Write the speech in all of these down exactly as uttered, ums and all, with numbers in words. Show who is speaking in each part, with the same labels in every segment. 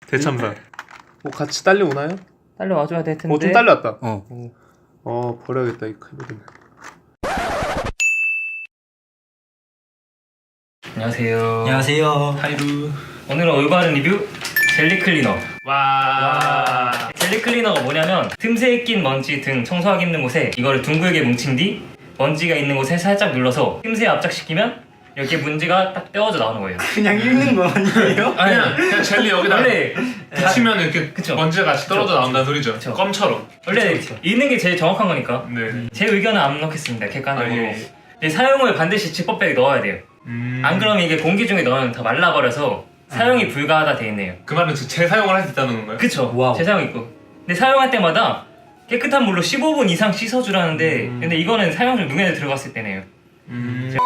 Speaker 1: 대참사. 뭐 같이 딸려오나요?
Speaker 2: 딸려와줘야 될 텐데.
Speaker 1: 어, 좀 딸려왔다.
Speaker 2: 어.
Speaker 1: 어, 어 버려야겠다 이 키보드는.
Speaker 2: 안녕하세요.
Speaker 3: 안녕하세요.
Speaker 1: 하이루.
Speaker 2: 오늘은 올바른 리뷰 젤리 클리너.
Speaker 1: 와.
Speaker 2: 와. 젤리 클리너가 뭐냐면 틈새에 낀 먼지 등 청소하기 힘든 곳에 이거를 둥글게 뭉친 뒤 먼지가 있는 곳에 살짝 눌러서 틈새에 압착시키면 이렇게 문지가 딱 떼어져 나오는 거예요.
Speaker 3: 그냥 읽는 거 아니에요?
Speaker 2: 아니,
Speaker 1: 그냥 그냥 젤리 여기다
Speaker 2: 원래
Speaker 1: 붙이면 이렇게
Speaker 2: 그쵸.
Speaker 1: 먼지가 같이 떨어져
Speaker 2: 그쵸.
Speaker 1: 나온다는 소리죠.
Speaker 2: 그쵸.
Speaker 1: 껌처럼.
Speaker 2: 원래
Speaker 3: 그쵸, 그쵸.
Speaker 2: 있는 게 제일 정확한 거니까.
Speaker 1: 네.
Speaker 2: 제 의견은 안 넣겠습니다. 객관적으로.
Speaker 1: 아, 예, 예.
Speaker 2: 근데 사용을 반드시 지퍼백에 넣어야 돼요.
Speaker 1: 음.
Speaker 2: 안 그러면 이게 공기 중에 넣으면 다 말라버려서 사용이 불가하다 돼 있네요.
Speaker 1: 그 말은 재사용을 할 수 있다는 건가요?
Speaker 2: 그쵸.
Speaker 3: 와우.
Speaker 2: 재사용 있고. 근데 사용할 때마다 깨끗한 물로 십오 분 이상 씻어주라는데
Speaker 1: 음.
Speaker 2: 근데 이거는 사용 중 눈에 들어갔을 때네요.
Speaker 1: 음.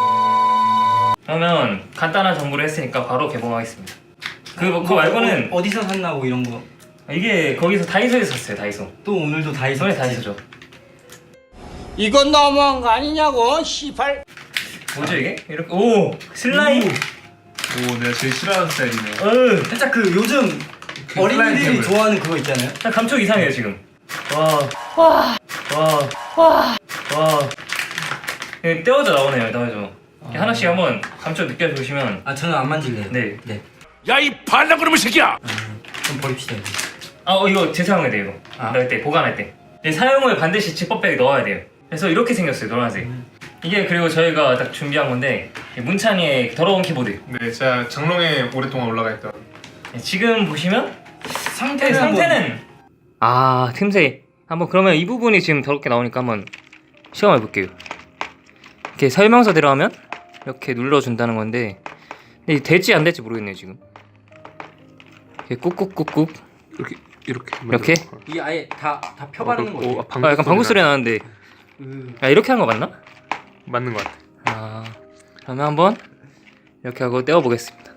Speaker 2: 그러면 간단한 정보를 했으니까 바로 개봉하겠습니다. 그, 그거 말고는
Speaker 3: 어, 어디서 샀나고 이런 거.
Speaker 2: 이게 거기서 다이소에서 샀어요. 다이소.
Speaker 3: 또 오늘도 다이소.
Speaker 2: 이번에 다이소죠.
Speaker 4: 이건 너무한 거 아니냐고, 시발.
Speaker 2: 뭐죠 이게? 이렇게 오 슬라임.
Speaker 1: 오, 내가 제일 싫어하는 스타일이네.
Speaker 2: 어으.
Speaker 3: 살짝 그 요즘
Speaker 1: 그
Speaker 3: 어린이들이
Speaker 1: 슬라임
Speaker 3: 좋아하는 그거 있잖아요.
Speaker 2: 딱 감촉 이상해요 지금. 와. 와. 와. 와. 와. 이게 떼어져 나오네요. 나오죠. 이렇게 하나씩 한번 감촉 느껴보시면.
Speaker 3: 아 저는 안 만질래요.
Speaker 2: 네.
Speaker 3: 네.
Speaker 4: 야, 이 반란그놈의 새끼야!
Speaker 3: 좀 버립시다. 이거.
Speaker 2: 아 어, 이거 재사용해야 돼요 이거.
Speaker 3: 아.
Speaker 2: 넣을 때 보관할 때. 근데 사용을 반드시 지퍼백에 넣어야 돼요. 그래서 이렇게 생겼어요 노란색.
Speaker 3: 음.
Speaker 2: 이게 그리고 저희가 딱 준비한 건데 이 문찬이의 더러운 키보드.
Speaker 1: 네, 제가 장롱에 오랫동안 올라가 있던.
Speaker 2: 지금 보시면
Speaker 3: 상태는
Speaker 2: 상태는 아 틈새 한번 그러면 이 부분이 지금 더럽게 나오니까 한번 시험해 볼게요. 이렇게 설명서대로 하면 이렇게 눌러준다는 건데 근데 이게 될지 안 될지 모르겠네요 지금. 이렇게 꾹꾹꾹꾹
Speaker 1: 이렇게 이렇게.
Speaker 2: 이렇게?
Speaker 3: 이게 아예 다 다 펴바르는
Speaker 1: 어,
Speaker 3: 거예요.
Speaker 1: 어, 방구
Speaker 2: 아 약간 방구 소리 나는데
Speaker 3: 음.
Speaker 2: 아 이렇게 한 거 맞나?
Speaker 1: 맞는 것 같아.
Speaker 2: 아 그러면 한번 이렇게 하고 떼어 보겠습니다.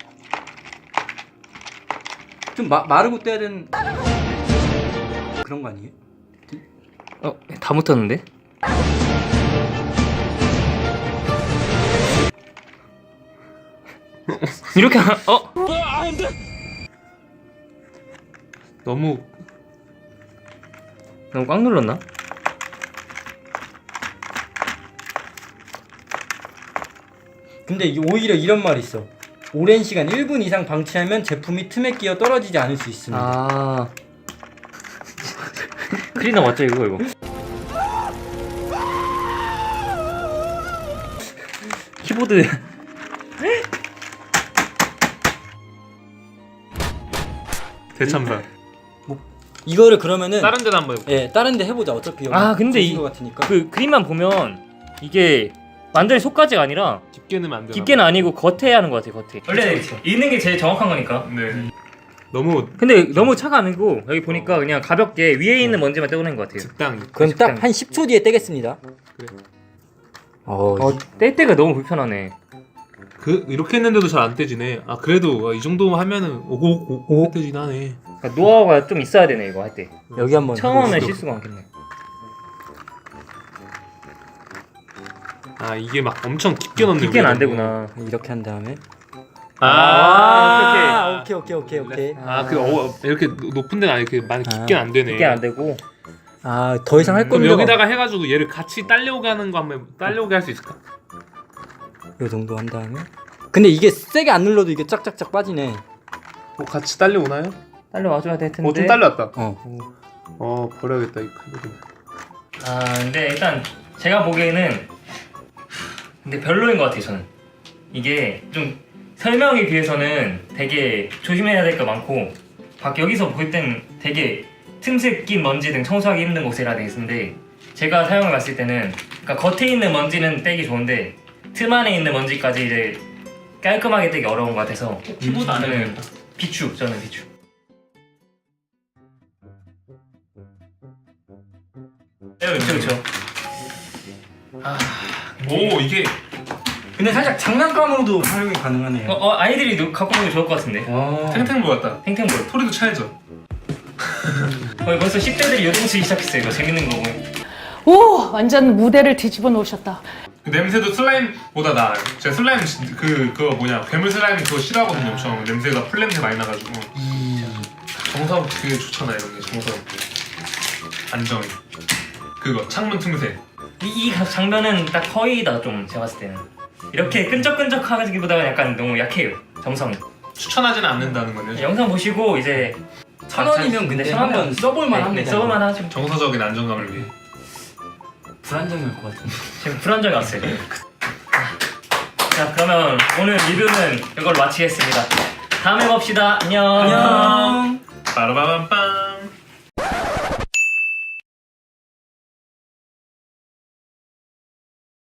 Speaker 3: 좀 마, 마르고 떼야 되는 그런 거 아니에요?
Speaker 2: 어 다 묻었는데? 이렇게 하, 어?
Speaker 1: 너무
Speaker 2: 너무 꽉 눌렀나?
Speaker 3: 근데 이- 오히려 이런 말이 있어. 오랜 시간 일 분 이상 방치하면 제품이 틈에 끼어 떨어지지 않을 수 있습니다.
Speaker 2: 아 클리너 맞죠 이거 이거? 키보드
Speaker 1: 대참사.
Speaker 3: 이거를 그러면은
Speaker 1: 다른 데도 한번 해볼게요.
Speaker 3: 예 다른 데 해보자. 어차피 여기
Speaker 2: 아, 근데
Speaker 3: 조진
Speaker 2: 이-
Speaker 3: 거 같으니까.
Speaker 2: 그 그림만 보면 이게 완전히 속까지가 아니라
Speaker 1: 깊게 넣으면 안 되나?
Speaker 2: 깊게는 아니고 겉에 하는 것 같아 겉에. 원래
Speaker 3: 그쵸, 그쵸.
Speaker 2: 있는 게 제일 정확한 거니까.
Speaker 1: 네. 너무
Speaker 2: 근데 너무 차가 아니고 여기 보니까 그냥 가볍게 위에 있는 먼지만 떼어낸 것 같아요.
Speaker 1: 적당히.
Speaker 3: 그럼
Speaker 2: 적당히.
Speaker 3: 딱 한 십 초 뒤에 떼겠습니다.
Speaker 1: 그래.
Speaker 3: 어,
Speaker 2: 어, 뗄 때가 너무 불편하네.
Speaker 1: 그 이렇게 했는데도 잘 안 떼지네. 아 그래도 이 정도 하면은 오고 오고 떼지긴 하네.
Speaker 2: 그러니까 노하우가 좀 있어야 되네 이거 할 때.
Speaker 3: 여기 한번
Speaker 2: 처음 하면
Speaker 3: 해보시죠.
Speaker 2: 실수가 많겠네.
Speaker 1: 아 이게 막 엄청 깊게 넣는.
Speaker 2: 깊게는 안 되구나.
Speaker 3: 이렇게 한 다음에
Speaker 1: 아,
Speaker 2: 아,
Speaker 3: 오케이 오케이 오케이 오케이.
Speaker 1: 아그 어, 이렇게 높은 데는 이렇게 많이 깊게 안 되네.
Speaker 2: 깊게 안 되고.
Speaker 3: 아 더 이상 할
Speaker 1: 그럼
Speaker 3: 겁니다.
Speaker 1: 여기다가 해가지고 얘를 같이 딸려오게 하는 거 한번 딸려오게 할 수 있을까?
Speaker 3: 요 정도 한 다음에. 근데 이게 세게 안 눌러도 이게 짝짝짝 빠지네.
Speaker 1: 뭐 같이 딸려오나요?
Speaker 2: 딸려와줘야 될 텐데.
Speaker 1: 어 좀 딸려왔다.
Speaker 3: 어.
Speaker 1: 어 버려야겠다 이 키보드는.
Speaker 2: 아 근데 일단 제가 보기에는 근데 별로인 것 같아요 저는. 이게 좀 설명에 비해서는 되게 조심해야 될 거 많고 밖 여기서 볼 땐 되게 틈새 낀 먼지 등 청소하기 힘든 곳이라 돼 있는데 제가 사용해 봤을 때는 그러니까 겉에 있는 먼지는 떼기 좋은데 틈 안에 있는 먼지까지 이제 깔끔하게 떼기 어려운 것 같아서
Speaker 1: 키보드 안
Speaker 2: 저는
Speaker 1: 되겠다.
Speaker 2: 비추 저는 비추. 네, 그렇죠 그렇죠. 아,
Speaker 1: 오 이게
Speaker 3: 근데 살짝 장난감으로도 활용이 가능하네요.
Speaker 2: 어, 어 아이들이 노- 갖고 보면 좋을 것 같은데.
Speaker 3: 어.
Speaker 1: 탱탱볼 같다.
Speaker 2: 탱탱볼.
Speaker 1: 소리도 차야죠.
Speaker 2: 어, 벌써 십 대들이 요동치기 시작했어요. 이거 재밌는 거 보면.
Speaker 5: 오, 완전 무대를 뒤집어 놓으셨다.
Speaker 1: 그 냄새도 슬라임보다 나. 제가 슬라임 진- 그 그거 뭐냐 괴물 슬라임 그거 싫어하거든요. 엄청 냄새가 풀 냄새 많이 나가지고. 정석 되게 좋잖아 이런 게 정석. 안정이. 그거 창문 틈새.
Speaker 2: 이, 이 장면은 딱 거의다 좀 제가 봤을 때는 이렇게 끈적끈적하기보다는 약간 너무 약해요 정성이.
Speaker 1: 추천하지는 않는다는 거네요.
Speaker 2: 영상 보시고 이제
Speaker 3: 천 원이면 근데 한번 써볼만 합니다.
Speaker 2: 네, 써볼만 하죠.
Speaker 1: 정서적인 안정감을 위해.
Speaker 3: 불안정할 것 같은데.
Speaker 2: 지금 불안정이 왔어요. 자 그러면 오늘 리뷰는 이걸로 마치겠습니다. 다음에 봅시다. 안녕.
Speaker 3: 안녕.
Speaker 1: 빠라바밤빰.